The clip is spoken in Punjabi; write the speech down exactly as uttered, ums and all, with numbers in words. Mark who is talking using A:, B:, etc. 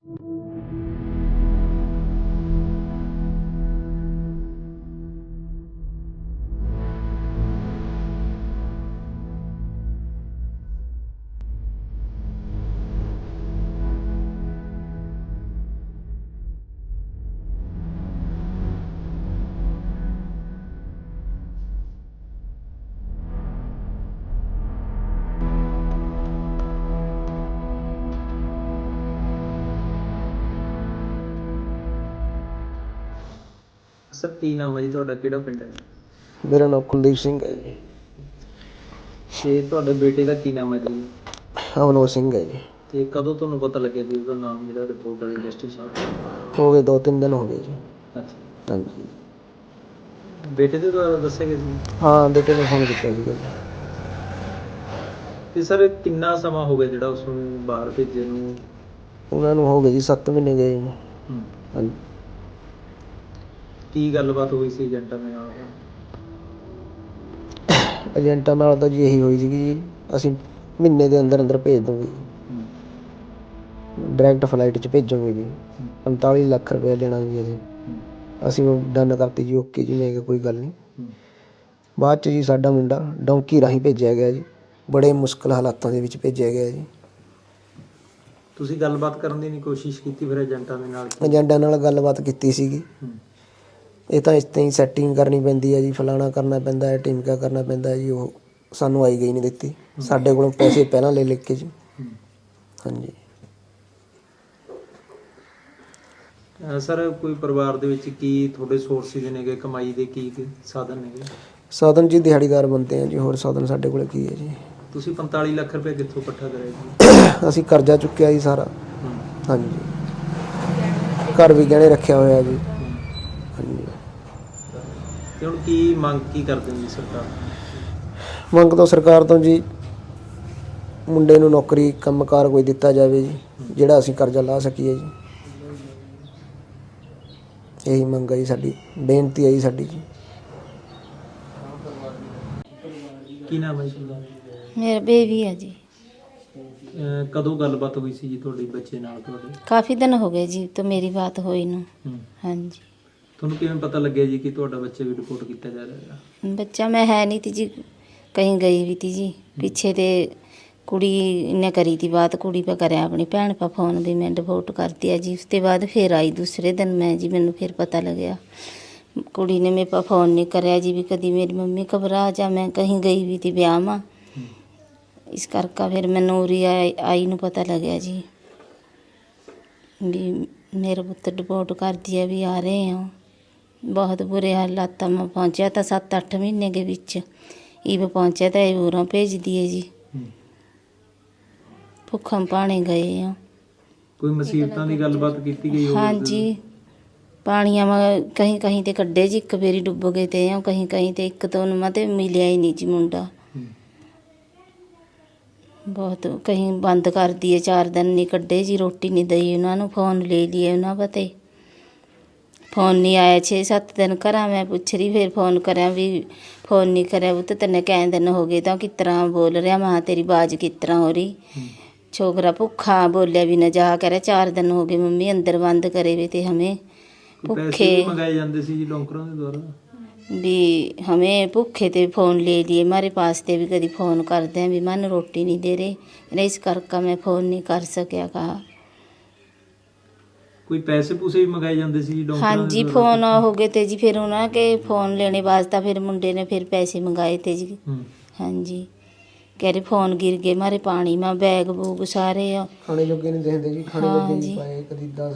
A: ਸਰ ਕੀ ਨਾਮ ਹੈ ਜੀ ਤੁਹਾਡਾ, ਕਿਹੜਾ ਪਿੰਡ ਹੈ?
B: ਮੇਰਾ ਨਾਮ ਕੁਲਦੀਪ ਸਿੰਘ ਹੈ ਜੀ।
A: ਤੇ ਤੁਹਾਡੇ ਬੇਟੇ ਦਾ ਕੀ ਨਾਮ ਹੈ ਜੀ?
B: ਅਮਨੋਜ ਸਿੰਘ ਹੈ ਜੀ।
A: ਤੇ ਕਦੋਂ ਤੁਹਾਨੂੰ ਪਤਾ ਲੱਗਿਆ ਵੀ ਉਹਦਾ ਨਾਮ ਜਿਹੜਾ ਰਿਪੋਰਟ ਵਾਲੀ ਲਿਸਟ 'ਚ ਆ?
B: ਹੋ ਗਏ ਦੋ ਤਿੰਨ ਦਿਨ ਹੋ ਗਏ ਜੀ।
A: ਅੱਛਾ,
B: ਹਾਂਜੀ।
A: ਬੇਟੇ ਦੇ ਦੁਆਰਾ ਦੱਸਿਆ ਗਿਆ ਸੀ?
B: ਹਾਂ, ਬੇਟੇ ਨੇ ਫੋਨ ਕੀਤਾ ਸੀਗਾ ਜੀ।
A: ਤੇ ਸਰ ਕਿੰਨਾ ਸਮਾਂ ਹੋ ਗਿਆ ਜਿਹੜਾ ਉਸ ਨੂੰ ਬਾਹਰ ਭੇਜੇ ਨੂੰ?
B: ਉਹਨਾਂ ਨੂੰ ਹੋ ਗਏ ਜੀ ਸੱਤ ਮਹੀਨੇ ਗਏ ਜੀ।
A: ਹੂੰ।
B: ਹਾਂਜੀ।
A: ਕੀ ਗੱਲਬਾਤ ਹੋਈ ਸੀ ਏਜੰਟਾਂ ਦੇ ਨਾਲ?
B: ਏਜੰਟਾਂ ਨਾਲ ਤਾਂ ਜੀ ਇਹੀ ਹੋਈ ਸੀਗੀ ਜੀ, ਅਸੀਂ ਮਹੀਨੇ ਦੇ ਅੰਦਰ ਅੰਦਰ ਭੇਜ ਦੂੰਗੇ ਜੀ,
A: ਹੂੰ।
B: ਡਾਇਰੈਕਟ ਫਲਾਈਟ 'ਚ ਭੇਜੂਗੇ ਜੀ।
A: ਹੂੰ।
B: ਪੰਤਾਲੀ ਲੱਖ ਰੁਪਇਆ ਲੈਣਾ ਜੀ ਅਸੀਂ।
A: ਹੂੰ।
B: ਅਸੀਂ ਉਹ ਡਨ ਕਰਤੀ ਜੀ, ਓਕੇ ਜੀ, ਮੈਂ ਕਿਹਾ ਕੋਈ ਗੱਲ ਨਹੀਂ।
A: ਹੂੰ।
B: ਬਾਅਦ 'ਚ ਜੀ ਸਾਡਾ ਮੁੰਡਾ ਡੋਂਕੀ ਰਾਹੀਂ ਭੇਜਿਆ ਗਿਆ ਜੀ, ਬੜੇ ਮੁਸ਼ਕਿਲ ਹਾਲਾਤਾਂ ਦੇ ਵਿੱਚ ਭੇਜਿਆ ਗਿਆ ਜੀ।
A: ਤੁਸੀਂ ਗੱਲਬਾਤ ਕਰਨ ਦੀ ਨਹੀਂ ਕੋਸ਼ਿਸ਼ ਕੀਤੀ ਫਿਰ ਏਜੰਟਾਂ ਦੇ ਨਾਲ?
B: ਏਜੰਟਾਂ ਨਾਲ ਗੱਲਬਾਤ ਕੀਤੀ ਸੀਗੀ।
A: ਹੂੰ।
B: ਇਹ ਤਾਂ ਇਸ ਤਰ੍ਹਾਂ ਹੀ ਸੈਟਿੰਗ ਕਰਨੀ ਪੈਂਦੀ ਹੈ ਜੀ, ਫਲਾਣਾ ਕਰਨਾ ਪੈਂਦਾ ਹੈ, ਟਿਮਕਾ ਕਰਨਾ ਪੈਂਦਾ ਹੈ ਜੀ। ਉਹ ਸਾਨੂੰ ਆਈ ਗਈ ਨਹੀਂ ਦਿੱਤੀ, ਸਾਡੇ ਕੋਲੋਂ ਪੈਸੇ ਪਹਿਲਾਂ ਲੈ ਲੈ ਕੇ ਜੀ।
A: ਹੂੰ।
B: ਹਾਂਜੀ।
A: ਅਹ ਸਰ ਕੋਈ ਪਰਿਵਾਰ ਦੇ ਵਿੱਚ ਕੀ ਤੁਹਾਡੇ ਸੋਰਸਿਸ ਨੇਗੇ, ਕਮਾਈ ਦੇ ਕੀ ਕੀ ਸਾਧਨ ਨੇਗੇ?
B: ਸਾਧਨ ਜੀ ਦਿਹਾੜੀਦਾਰ ਬੰਦੇ ਆ ਜੀ, ਹੋਰ ਸਾਧਨ ਸਾਡੇ ਕੋਲ ਕੀ ਹੈ ਜੀ।
A: ਤੁਸੀਂ ਪੰਤਾਲੀ ਲੱਖ ਰੁਪਏ ਕਿੱਥੋਂ ਇਕੱਠਾ ਕਰਿਆ ਜੀ?
B: ਅਸੀਂ ਕਰਜ਼ਾ ਚੁੱਕਿਆ ਜੀ ਸਾਰਾ।
A: ਹੂੰ।
B: ਹਾਂਜੀ। ਘਰ ਵੀ ਗਹਿਣੇ ਰੱਖਿਆ ਹੋਇਆ ਜੀ।
A: ਹੂੰ।
B: ਹਾਂਜੀ।
A: ਤੇ ਹੁਣ ਕੀ ਮੰਗ ਕੀ ਕਰਦੇ ਹੋ ਜੀ ਸਰਕਾਰ?
B: ਮੰਗ ਤੋਂ ਸਰਕਾਰ ਤੋਂ ਜੀ ਮੁੰਡੇ ਨੂੰ ਨੌਕਰੀ ਕੰਮਕਾਰ ਕੋਈ ਦਿੱਤਾ ਜਾਵੇ ਜੀ, ਜਿਹੜਾ ਅਸੀਂ ਕਰਜ਼ਾ ਲਾ ਸਕੀਏ ਜੀ। ਇਹੀ ਮੰਗ ਹੈ ਜੀ ਸਾਡੀ, ਬੇਨਤੀ ਹੈ ਜੀ ਸਾਡੀ ਜੀ।
A: ਕੀ ਨਾਮ ਹੈ ਜੀ?
C: ਮੇਰਾ ਬੇਬੀ ਹੈ ਜੀ।
A: ਅਹ ਕਦੋਂ ਗੱਲਬਾਤ ਹੋਈ ਸੀ ਜੀ ਤੁਹਾਡੇ ਬੱਚੇ ਨਾਲ ਤੁਹਾਡੇ?
C: ਕਾਫੀ ਦਿਨ ਹੋ ਗਏ ਜੀ ਤੋਂ ਮੇਰੀ ਬਾਤ ਹੋਈ ਨੂੰ।
A: ਹੂੰ।
C: ਹਾਂਜੀ।
A: ਤੁਹਾਨੂੰ ਕਿਵੇਂ ਪਤਾ ਲੱਗਿਆ ਜੀ ਕਿ ਤੁਹਾਡਾ ਬੱਚਾ ਵੀ ਰਿਪੋਰਟ ਕੀਤਾ ਜਾ ਰਿਹਾ ਹੈ?
C: ਬੱਚਾ ਮੈਂ ਹੈ ਨਹੀਂ ਤੀ ਜੀ, ਕहीं ਗਈ ਵੀ ਤੀ ਜੀ ਪਿੱਛੇ। ਤੇ ਕੁੜੀ ਨੇ ਕਰੀ ਤੀ ਬਾਤ, ਕੁੜੀ ਪਾ ਕਰਿਆ ਆਪਣੀ ਭੈਣ ਪਾ ਫੋਨ ਵੀ ਮੈਂ ਡਿਵੋਰਟ ਕਰਤੀ ਹੈ ਜੀ। ਉਸ ਤੋਂ ਬਾਅਦ ਫਿਰ ਆਈ ਦੂਸਰੇ ਦਿਨ ਮੈਂ ਜੀ, ਮੈਨੂੰ ਫਿਰ ਪਤਾ ਲੱਗਿਆ। ਕੁੜੀ ਨੇ ਮੇਰੇ ਪਾ ਫੋਨ ਨਹੀਂ ਕਰਿਆ ਜੀ ਵੀ ਕਦੀ ਮੇਰੀ ਮੰਮੀ ਘਬਰਾ ਜਾ, ਮੈਂ ਕहीं ਗਈ ਵੀ ਤੀ ਵਿਆਹ ਮਾ। ਇਸ ਕਰਕੇ ਫਿਰ ਮੈਨੂੰ ਉਰੀ ਆਈ ਆਈ ਨੂੰ ਪਤਾ ਲੱਗਿਆ ਜੀ ਵੀ ਮੇਰਾ ਪੁੱਤ ਡਿਵੋਰਟ ਕਰਦੀ ਹੈ, ਵੀ ਆ ਰਹੇ ਹਾਂ। ਬਹੁਤ ਬੁਰੇ ਹਾਲਾਤਾਂ ਮੈਂ ਪਹੁੰਚਿਆ ਤਾਂ ਸੱਤ ਅੱਠ ਮਹੀਨੇ ਦੇ ਵਿੱਚ ਇਹ ਪਹੁੰਚਿਆ ਤਾਂ ਇਹ ਉਰਾਂ ਭੇਜਦੀ ਹੈ ਜੀ। ਭੁੱਖਾਂ ਪਾਣੇ ਗਏ ਆ।
A: ਕੋਈ ਮੁਸੀਬਤਾਂ ਦੀ ਗੱਲਬਾਤ ਕੀਤੀ ਗਈ ਹੋਵੇ?
C: ਹਾਂਜੀ, ਪਾਣੀਆਂ ਮੈਂ ਕਹੀਂ ਕਹੀਂ ਤੇ ਕੱਢੇ ਜੀ, ਇੱਕ ਵਾਰੀ ਡੁੱਬ ਗਏ ਤੇ ਆ ਕਹੀਂ ਕਹੀਂ ਤੇ, ਇੱਕ ਤੋਂ ਉਹਨਾਂ ਤੇ ਮਿਲਿਆ ਹੀ ਨਹੀਂ ਜੀ ਮੁੰਡਾ। ਬਹੁਤ ਕਹੀਂ ਬੰਦ ਕਰਦੀ ਹੈ, ਚਾਰ ਦਿਨ ਨਹੀਂ ਕੱਢੇ ਜੀ, ਰੋਟੀ ਨਹੀਂ ਦਈ ਉਹਨਾਂ ਨੂੰ। ਫੋਨ ਲੈ ਲਈਏ ਉਹਨਾਂ ਪਤੇ, ਫੋਨ ਨਹੀਂ ਆਇਆ। ਛੇ ਸੱਤ ਦਿਨ ਘਰਾਂ ਮੈਂ ਪੁੱਛ ਰਹੀ, ਫਿਰ ਫੋਨ ਕਰਿਆ ਵੀ ਫੋਨ ਨਹੀਂ ਕਰਿਆ ਉਹ ਤਾਂ ਤੈਨੂੰ ਕਈ ਦਿਨ ਹੋ ਗਏ ਤਾਂ ਕਿਸ ਤਰ੍ਹਾਂ ਬੋਲ ਰਿਹਾ। ਮਾਂ ਤੇਰੀ ਬਾਜ਼ ਕਿਸ ਤਰ੍ਹਾਂ ਹੋ ਰਹੀ? ਛੋਕਰਾ ਭੁੱਖਾ ਬੋਲਿਆ ਵੀ ਨਾ ਜਾ ਕਰਿਆ। ਚਾਰ ਦਿਨ ਹੋ ਗਏ ਮੰਮੀ ਅੰਦਰ ਬੰਦ ਕਰੇ ਵੇ ਤੇ ਹਮੇ ਭੁੱਖੇ
A: ਮੰਗਾਏ ਜਾਂਦੇ ਸੀ ਜੀ ਡੋਂਕਰਾਂ ਦੇ ਦੁਆਰਾ
C: ਵੀ ਹमें भूखे ते फ़ोन ले लिए हमारे पास ते भी कभी फ़ोन करते हैं भी मन रोटी नहीं दे रहे, इस करके मैं फ़ोन नहीं कर सकिया। कहा
A: ਕੋਈ ਪੈਸੇ ਪੂਸੇ ਵੀ ਮੰਗਾਏ ਜਾਂਦੇ ਸੀ ਜੀ ਡੋਂਕਰਾਂ
C: हाँ
A: ਦੇ
C: जी,
A: ਦੁਆਰਾ?
C: फ़ोन हो गए थे जी, फिर उन्होंने फ़ोन लेने वास्ता फिर मुंडे ने फिर पैसे मंगाए थे जी।
A: ਹੂੰ।
C: हाँ जी, कह रहे फ़ोन गिर गए हमारे पानी में, बैग बूग सारे।
B: ਖਾਣੇ ਜੋਗੇ ਨਹੀਂ ਦੇਖਦੇ ਜੀ, ਖਾਣੇ
C: ਹਾਂ
B: ਜੋਗੇ
C: ਜੀ।
B: ਨਹੀਂ ਪਾਏ ਕਦੀ ਦਸ